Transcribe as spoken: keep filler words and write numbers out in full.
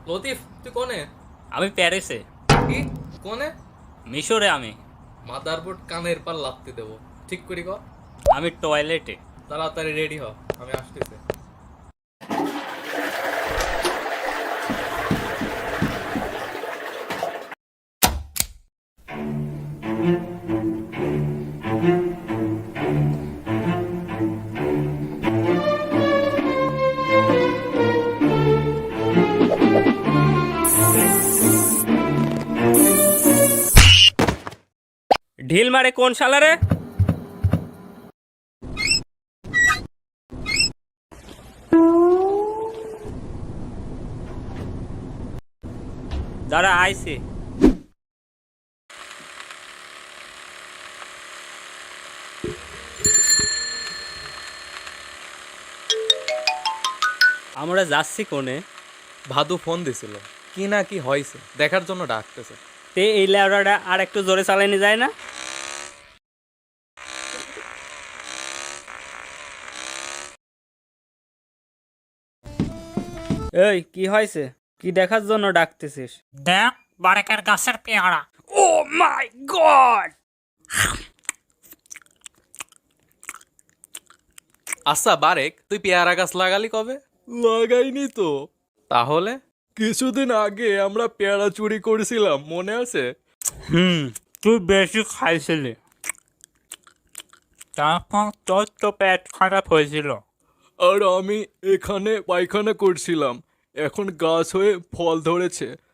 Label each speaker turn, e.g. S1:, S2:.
S1: লতিফ তুই কোনে?
S2: আমি প্যারিসে।
S1: কি কোনে?
S2: মিশরে আমি।
S1: মাদারবোর্ড কানের পার লাত্তি দেবো। ঠিক করি ক।
S2: আমি টয়লেটে।
S1: তাড়াতাড়ি রেডি হ, আমি আসতেছি।
S2: ঢিল মারে কোন শালারে? দাঁড়া আইসি। আমরা যাচ্ছি কোনে?
S1: ভাদু ফোন দিছিল, কি না কি হয়েছে দেখার জন্য ডাকতেছে।
S2: তে এই ল্যাবরাটা আর একটু জোরে চালানো যায় না? এই কি হয়েছে? কি দেখার জন্য ডাকতেছিস?
S3: দেখ বারেকের গাছের পেয়ারা।
S2: Oh my god!
S1: আচ্ছা বারেক, তুই পেয়ারা গাছ লাগালি কবে?
S4: লাগাইনি তো।
S1: তাহলে
S4: কিছুদিন আগে আমরা পেয়ারা চুরি করেছিলাম, মনে আছে?
S2: হুম, তুই বেশি খাইছিলি,
S3: তারপর তোর তো পেট খারাপ হয়েছিল।
S4: আর আমি এখানে পায়খানা করছিলাম, এখন গাছ হয়ে ফল ধরেছে।